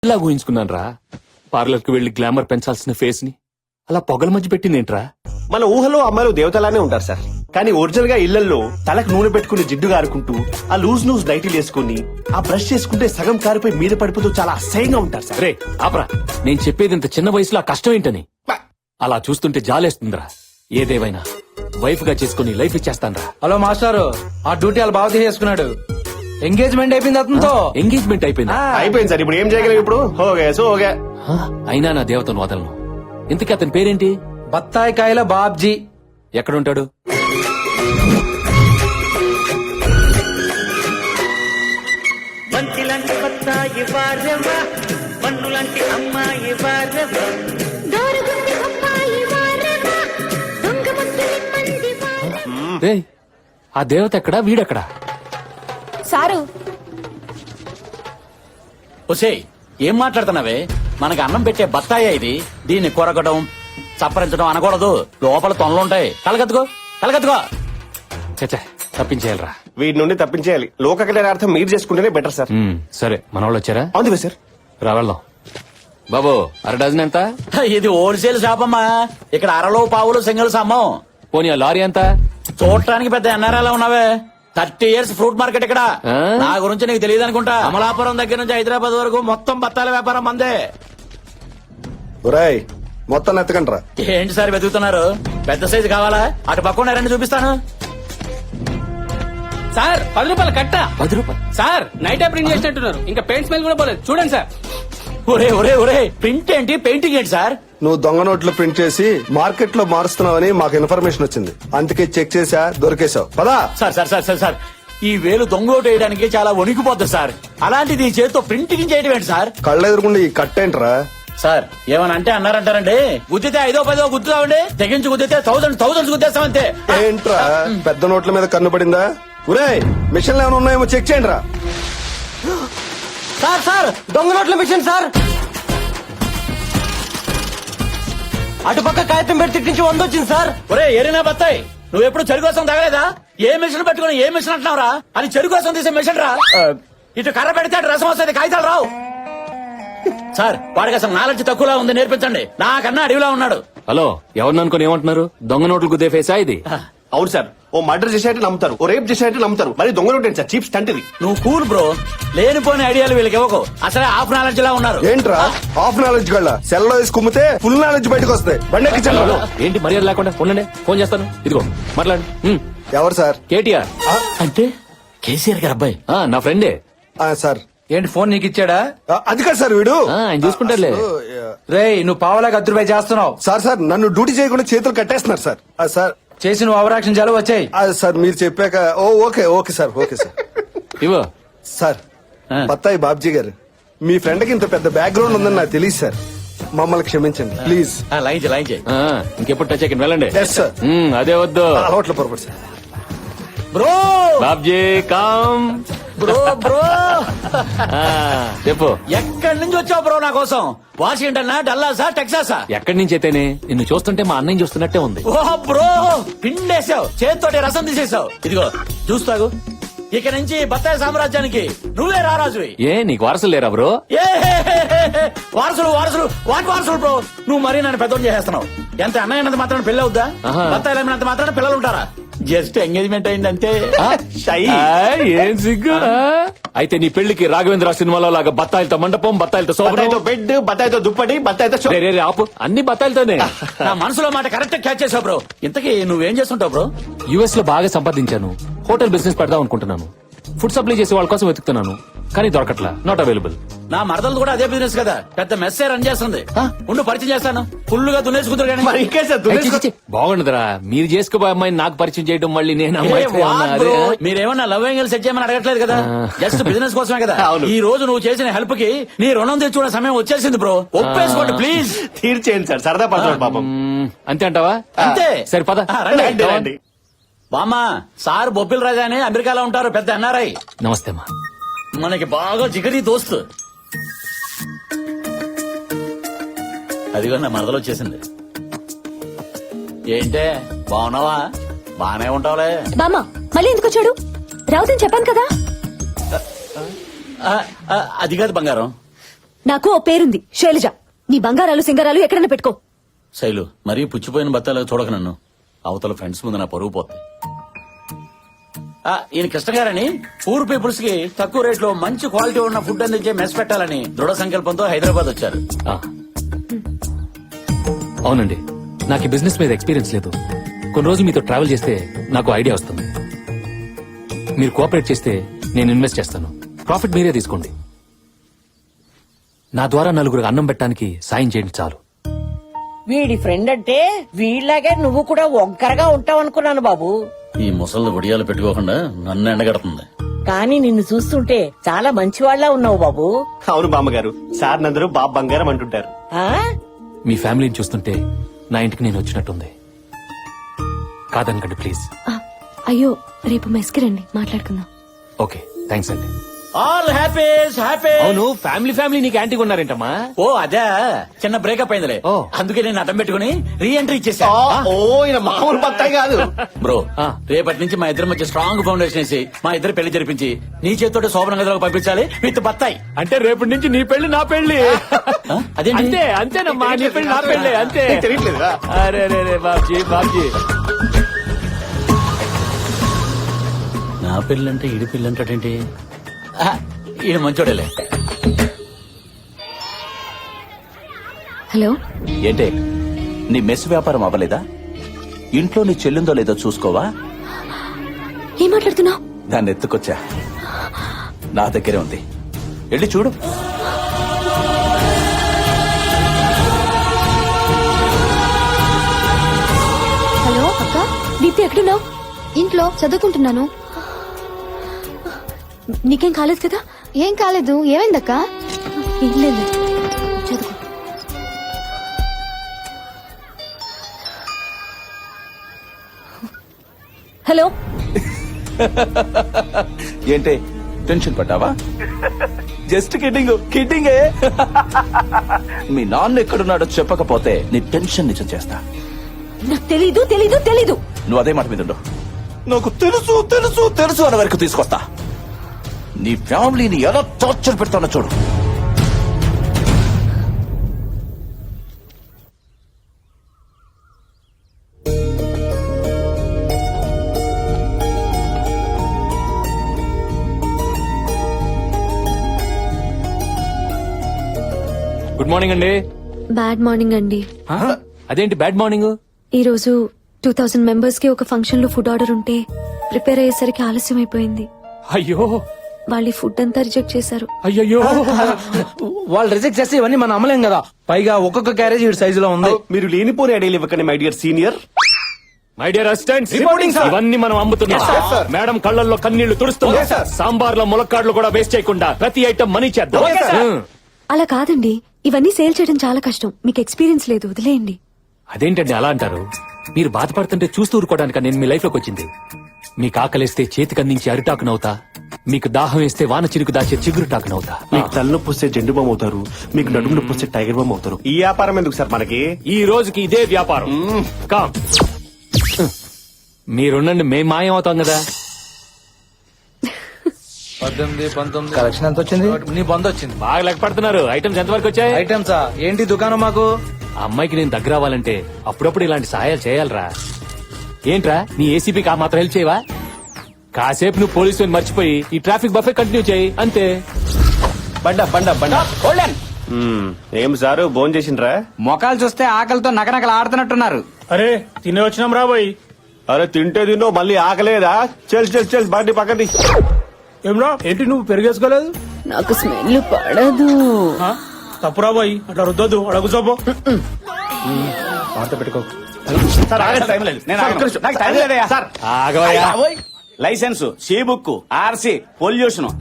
ఇలా ఊహించుకున్నాను రా. పార్లర్ కి వెళ్లి గ్లామర్ పెంచాల్సిన ఫేస్ ని అలా పొగల మధ్య పెట్టిందేంట్రా? మన ఊహలో అమ్మాయిలు దేవతలానే ఉంటారు సార్, కానీ ఒరిజినల్ గా ఇళ్లలో తలకు నూనె పెట్టుకుని జిడ్డు కారుకుంటూ ఆ లూజ్ నైటీలు వేసుకుని ఆ బ్రష్ చేసుకుంటే సగం కారిపోయి మీద పడిపోతూ చాలా అసహ్యంగా ఉంటారు సార్. రే ఆపరా, నేను చెప్పేది ఇంత చిన్న వయసులో ఆ కష్టం ఏంటని. అలా చూస్తుంటే జాలేస్తుందిరా. ఏదేవైనా వైఫ్ గా చేసుకుని లైఫ్ ఇచ్చేస్తానరా. హలో మాస్టారు, ఆ డ్యూటీ వాళ్ళు బాగా చేసుకున్నాడు. ఎంగేజ్మెంట్ అయిపోయింది అతనితో. ఎంగేజ్మెంట్ అయిపోయిందా? అయిపోయింది సార్. ఇప్పుడు ఏం చేయగలం? ఇప్పుడు హోగే సో హోగే. అయినా నా దేవతను వదలను. ఇంతకీ అతని పేరేంటి? బత్తాయి కాయల బాబ్జీ. ఎక్కడుంటాడు? బంతిలాంటి బత్తాయి వారవా, పన్నులాంటి అమ్మాయి వారవా, రే ఆ దేవత ఎక్కడా, వీడెక్కడా? సారు ఒసేయ్, ఏం మాట్లాడుతున్నావే? మనకి అన్నం పెట్టే బత్తాయి ఇది. దీన్ని కొరకడం చప్పరించడం అనకూడదు. లోపల తొనలుంటాయి. కలగత్తుకో కలగత్తుకో. చచ్చా, తప్పించేయాలరా. వీటి నుండి తప్పించేయాలి. లోక కళ్యాణార్థం మీరు చేసుకుంటేనే బెటర్ సార్. సరే, మన వాళ్ళు వచ్చారా? అవును సార్. రా వెళ్దాం. బాబు, అర డజన్ ఎంత? ఇది హోల్సేల్ షాప్ అమ్మా. ఇక్కడ అరలో పావులు సింగిల్స్ అమ్మం. పోనీ ఆ లారీ ఎంత? చూడటానికి పెద్ద ఎన్ఆర్ఐలో ఉన్నావే. 30 years ఫ్రూట్ మార్కెట్ ఇక్కడ. ఆ? నా గురించి నీకు తెలియదు అనుకుంటా. అమలాపురం దగ్గర నుంచి హైదరాబాద్ వరకు మొత్తం బత్తాల వ్యాపారం మందే. ఒరేయ్, మొత్తం ఎత్తకండ్రా. ఏంటి సార్ వెతుకుతున్నారు? పెద్ద సైజు కావాలా? అటు పక్కన రండి, చూపిస్తాను. సార్ 10 రూపాయలు కట్ట. 10 రూపాయలు? సార్ నైట్ ప్రింట్ చేసినట్టున్నారు. ఇంకా పెయింట్ స్మెల్ కూడా పోలేదు. చూడండి సార్. ఒరే ఒరే ఒరే, ప్రింట్ ఏంటి, పెయింటింగ్ ఏంటి సార్? నువ్వు దొంగ నోట్లు ప్రింట్ చేసి మార్కెట్ లో మారుస్తున్నావని మాకు ఇన్ఫర్మేషన్ వచ్చింది. అందుకే చెక్ చేసా, దొరికేశావు. పదా. Sir sir sir sir sir, ఈ వేలు దొంగోటు వేయడానికి చాలా వణికిపోతుంది సార్. అలాంటిది ఈ చేతితో ప్రింటింగ్ చేయడం ఏంటి సార్? కళ్ళెదురుకుండా ఈ కట్టేంట్రా? సార్ ఏమని అంటే అన్నారంటారండి. గుద్దితే 5ో 10ో గుద్దుతామండి. తెగించి గుద్దితే థౌసండ్స్ గుద్దేస్తామంతే. ఏంట్రా పెద్ద నోట్ల మీద కన్ను పడిందా? ఒరే, మిషన్లు ఏమైనా ఉన్నాయేమో చెక్ చేయండి రా. సార్ సార్, దొంగ నోట్ల మిషన్ సార్. అటుపక్క కాగితం పెట్టి తిట్టించి 100 వచ్చింది సార్. ఒరే ఎరినా బత్తాయి, నువ్వు ఎప్పుడు చెరు కోసం తగలేదా? ఏ మిషన్ పెట్టుకుని ఏ మిషన్ అంటున్నావురా? అది చెరు కోసం తీసే మిషన్ రా. ఇటు కర్ర పెడితే అటు రసం వస్తుంది, కాగితాలు రావు. సార్ వాడికి అసలు నాలెడ్జ్ తక్కువలా ఉంది, నేర్పించండి. నాకన్నా అడవిలా ఉన్నాడు. హలో, ఎవరిని అనుకుని ఏమంటున్నారు? దొంగ నోట్లు గుద్దే ఫేసా ఇది? అవును సార్. ఓ మర్డర్ చేసేట్టు నమ్ముతారు, ఓ రేప్ చేసేట్టు నమ్ముతారు, మరి దొంగ నోట్ సార్. చీప్ స్టంట్ ఇది. నువ్వు కూల్ బ్రో. లేనిపోని ఐడియాలు వీళ్ళకి ఇవ్వకు. అసలే హాఫ్ నాలెడ్జ్ లా ఉన్నారు. ఏంట్రా హాఫ్ నాలెడ్జ్ గళ్ళ? సెల్లో వేసి కుమ్మితే ఫుల్ నాలెడ్జ్ బయటకు వస్తాయి. బండెక్కించండి. హలో, ఏంటి మర్యాద లేకుండా? ఉండండి, ఫోన్ చేస్తాను. ఇదిగో మాట్లాడు. ఎవరు సార్? కేటీఆర్. అంటే కేసీఆర్ గారు అబ్బాయి. నా ఫ్రెండే. సార్ ఏంటి ఫోన్ నీకు ఇచ్చాడా? అది కాదు సార్, వీడు ఆయన చూసుకుంటారులే. రేయ్, నువ్వు పావలాగా 10 రూపాయలు చేస్తున్నావు. సార్ నన్ను డ్యూటీ చేయకుండా చేతులు కట్టేస్తున్నారు సార్. సార్ చేసి నువ్వు అవరాక్షన్ చాలు వచ్చాయి. సార్ మీరు చెప్పాక ఓకే సార్. ఇవో సార్, బత్తాయి బాబ్జీ గారు, మీ ఫ్రెండ్ కి ఇంత పెద్ద బ్యాక్గ్రౌండ్ ఉందని నాకు తెలియదు సార్. మమ్మల్ని క్షమించండి ప్లీజ్. లైన్ చేయి. ఇంకెప్పుడు టచ్ అయ్యి వెళ్ళండి. Yes sir. అదే వద్దు. అలవాట్ల పొరపాటు సార్. Bro Babji calm. Bro bro చెప్పు. ఎక్కడి నుంచి వచ్చావు బ్రో? నా కోసం వాషింగ్టన్, డల్లాసా, టెక్సాసా? ఎక్కడి నుంచి అయితేనే నిన్ను చూస్తుంటే మా అన్నయ్య చూస్తున్నట్టే ఉంది. ఓ బ్రో, పిండేసావు, చేతితోటి రసం తీసేసావు. ఇదిగో చూస్తాగు. ఇక నుంచి బత్తాయి సామ్రాజ్యానికి నువ్వే రారాజువి. ఏ నీకు వారసులు లేరా బ్రో? ఏ వారసులు వాటి వారసులు బ్రో. నువ్వు మరీ నన్ను పెద్దోడు చేసేస్తున్నావు. ఎంత అన్నయ్య అన్నంత మాత్రం పెళ్లి అవుద్దా? బత్తాయిలు అమ్మినంత మాత్రం పిల్లలు ఉంటారా? జస్ట్ ఎంగేజ్మెంట్ అయింది అంతే. ఏం సిగ్గు. అయితే నీ పెళ్లికి రాఘవేంద్ర సినిమాలో లాగా బత్తాయిలతో మండపం, బత్తాయిలతో బత్తాయితో బెడ్, బత్తాయితో దుప్పటి, బత్తాయితో ఆపు. అన్ని బత్తాయిలతోనే. నా మనసులో మాట కరెక్ట్ క్యాచ్ చేసావు బ్రో. ఇంతకీ నువ్వేం చేస్తుంటావు బ్రో? యుఎస్ లో బాగా సంపాదించాను. హోటల్ బిజినెస్ పెడదాం అనుకుంటున్నాను. ఫుడ్ సప్లై చేసే వాళ్ళ కోసం వెతుకుతున్నాను, కానీ దొరకట్లా. Not available. నా మరదలు కూడా అదే బిజినెస్ కదా, పెద్ద మెస్సే రన్ చేస్తుంది. ఉండు పరిచయం చేస్తాను. ఫుల్ గా దున్నేసుకుంటారు కానీ. మరి ఇంకే సార్ బాగుండదురా. మీరు చేసుకోబోయే అమ్మాయిని నాకు పరిచయం చేయడం, మళ్ళీ నేను మీరేమన్నా లవ్ యాంగిల్ సెట్ చేయమని అడగట్లేదు కదా, జస్ట్ బిజినెస్ కోసమే కదా. ఈ రోజు నువ్వు చేసిన హెల్ప్ కి నీ రుణం తెచ్చుకునే సమయం వచ్చేసింది బ్రో. ఒప్పేసుకోండి ప్లీజ్. తీర్చేయండి సార్, సరదా పడతాడు పాపం. అంతే అంటావా? అంతే. సరే పద. రండి. బామ్మ, సార్ బొబ్బిల్ రాజా అని అమెరికాలో ఉంటారు, పెద్ద ఎన్ఆర్ఐ. నమస్తే అమ్మా. మనకి బాగా జిగరి దోస్తు. అదిగో నా మరదలు వచ్చేసింది. ఏంటే బాగున్నావా? బానే ఉంటావులే. బామ్మ మళ్ళీ ఎందుకు వచ్చాడు? రావుతని చెప్పాను కదా. అది కాదు బంగారం, నాకు ఓ పేరుంది శైలజ. నీ బంగారాలు సింగారాలు ఎక్కడైనా పెట్టుకో. శైలు మరీ పుచ్చిపోయిన బత్తాలు చూడక నన్ను. అవతల ఫ్రెండ్స్ ముందు నా పరువు పోతుంది. ఈయన కృష్ణ గారని పూర్ పీపుల్స్ కి తక్కువ రేట్ లో మంచి క్వాలిటీ ఉన్న ఫుడ్ అందించే మెస్ పెట్టాలని దృఢ సంకల్పంతో హైదరాబాద్ వచ్చారు. ఆ. అవునండి, నాకు ఈ బిజినెస్ మీద ఎక్స్పీరియన్స్ లేదు. కొన్ని రోజులు మీతో ట్రావెల్ చేస్తే నాకు ఐడియా వస్తుంది. మీరు కోఆపరేట్ చేస్తే నేను ఇన్వెస్ట్ చేస్తాను. ప్రాఫిట్ మీరే తీసుకోండి. నా ద్వారా నలుగురు అన్నం పెట్టడానికి సాయం చేయండి చాలు. వీడి ఫ్రెండ్ అంటే వీళ్ళలాగే నువ్వు కూడా ఒంకరగా ఉంటావు అనుకున్నాను బాబు. ఈ ముసళ్ళు ఒడియాలు పెట్టుకోకుండా నన్ను ఎండగడుతుంది. కానీ నిన్ను చూస్తుంటే చాలా మంచివాళ్లా ఉన్నావు బాబు. అవును బామ్మగారు, సార్ నందరూ బాబు బంగారం అంటుంటారు. ఆ మీ ఫ్యామిలీని చూస్తుంటే నా ఇంటికి నేను వచ్చినట్టుంది. కాదనకండి ప్లీజ్. అయ్యో, రేపు మెస్కి రండి, మాట్లాడుకుందాం. ఓకే, థ్యాంక్స్ అండి. All happy happy. అవును, ఫ్యామిలీ నీకు యాంటీగా ఉన్నారేంటమ్మా? ఓ అదే చిన్న బ్రేకప్ అయిందిలే. ఓ. అందుకే నేను అడ్డం పెట్టుకుని రీ ఎంట్రీ ఇచ్చేసా. ఓ ఈయన మామూలు బత్తాయి కాదు. బ్రో ఆ. రేపటి నుంచి మా ఇద్దరి మధ్య స్ట్రాంగ్ ఫౌండేషన్ వేసి మా ఇద్దరు పెళ్లి జరిపించి నీ చేతితో శోభన గదిలోకి పంపించాలి విత్ బత్తాయి. అంటే రేపటి నుంచి నీ పెళ్లి నా పెళ్లి. అదేంటి? అంతే అంతేనమ్మా, నీ పెళ్లి నా పెళ్లి అంతే. నీకు తెలియట్లేదా? అరే రే బాబ్జీ. నా పెళ్ళంటే ఈడి పెళ్ళి అంటాడేంటి? ఈయన మంచోడేలే. హలో, ఏంటే నీ మెస్ వ్యాపారం అవ్వలేదా? ఇంట్లో నీ చెల్లిందో లేదో చూసుకోవా? ఏం మాట్లాడుతున్నావు? దాన్ని ఎత్తుకొచ్చా, నా దగ్గరే ఉంది, వెళ్ళి చూడు. హలో అక్క, దీప్తి ఎక్కడున్నావు? ఇంట్లో చదువుకుంటున్నాను. నీకేం కాలేదు కదా? ఏం కాలేదు. ఏమైందక్క? ఏం లేదు, చదువుకో. హలో, ఏంటే టెన్షన్ పడ్డావా? జస్ట్ కిడ్డింగే. మీ నాన్న ఎక్కడున్నాడో చెప్పకపోతే నీ టెన్షన్ నిజం చేస్తా. నాకు తెలీదు తెలీదు తెలీదు. నువ్వు అదే మాట మీద ఉండు. నాకు తెలుసు తెలుసు తెలుసు అనే వరకు తీసుకొస్తా. నీ ఫ్యామిలీని ఎలా టార్చర్ పెడతానో చూడు. గుడ్ మార్నింగ్ అండి. బ్యాడ్ మార్నింగ్ అండి. అదేంటి బ్యాడ్ మార్నింగ్? ఈ రోజు 2000 మెంబర్స్ కి ఒక ఫంక్షన్ లో ఫుడ్ ఆర్డర్ ఉంటే ప్రిపేర్ అయ్యేసరికి ఆలస్యం అయిపోయింది. అయ్యో వాళ్ళు ఈ ఫుడ్ అంతా రిజెక్ట్ చేశారు. అయ్యో. వాళ్ళు రిజెక్ట్ చేస్తే ఇవన్నీ మనం అమ్మలేం కదా. పైగా ఒక్కొక్క క్యారేజ్ ఈ సైజులో ఉంది. మీరు లేనిపోని ఐడియాలు ఇవ్వకండి my dear senior. My dear assistants, Reporting, sir. ఇవన్నీ మనం అమ్ముతున్నాం. Yes, sir, sir. మేడం కళ్ళల్లో కన్నీళ్లు తుడుస్తున్నాం. Yes, sir. సాంబార్ లో ములక్కాడ్లు కూడా వేస్ట్ చేయకుండా ప్రతి ఐటమ్ మనీ చేద్దాం. Okay, sir. అలా కాదండి, ఇవన్నీ సేల్ చేయడం చాలా కష్టం. మీకు ఎక్స్పీరియన్స్ లేదు, వదిలేయండి. అదేంటండి అలా అంటారు? మీరు బాధపడుతుంటే చూస్తూ ఊరుకోవడానికి నేను మీ లైఫ్ లోకి వచ్చింది. మీకు ఆకలేస్తే చేతికి అందించి అరిటాకునవుతా, మీకు దాహం వేస్తే వాన చిరుకు దాచే చిగురుటాకునవుతా. మీకు తలనొప్పి వస్తే జెండు బామ్ అవుతారు, మీకు నడుము నొప్పి వస్తే టైగర్ బామ్ అవుతారు. ఈ వ్యాపారం ఎందుకు సార్ మనకి? ఈ రోజుకి ఇదే వ్యాపారం. కామ్. మీరుండండి, మేం మాయం అవుతాం కదా. 18, 19 కలెక్షన్ ఎంత వచ్చింది? నీ బంద్ వచ్చింది. బాగా లెక్క పడుతున్నారు. ఐటమ్స్ ఎంతవరకు వచ్చాయి? ఐటమ్సా ఏంటి దుకాణం మాకు? ఆ అమ్మాయికి నేను దగ్గర అవ్వాలంటే అప్పుడప్పుడు ఇలాంటి సహాయాలు చేయాలరా. ఏంట్రా, నీ ఏసీపీకి ఆ మాత్రం హెల్ప్ చేయవా? కాసేపు నువ్వు పోలీసు మర్చిపోయి ఈ ట్రాఫిక్ బఫే కంటిన్యూ చేయి అంతే. ఏం సారు భోజనం చేసిండ్రా? మొఖాలు చూస్తే ఆకలితో నకనకలు ఆడుతున్నట్టున్నారు. అరే తినే వచ్చినాం రా బాయ్. అరే తింటే తిన్నో మళ్ళీ ఆకలేదా? చెల్ బండి పక్కది. ఏమ్రా ఏంటి నువ్వు పెరిగేసుకోలేదు? నాకు స్మెల్ పడదు. తప్పురా బాయ్, అట్లా రుద్దొద్దు. అడుగు చూపు. పెట్టుకో. ఆగవయ్యా. Licence, C book, RC, pollution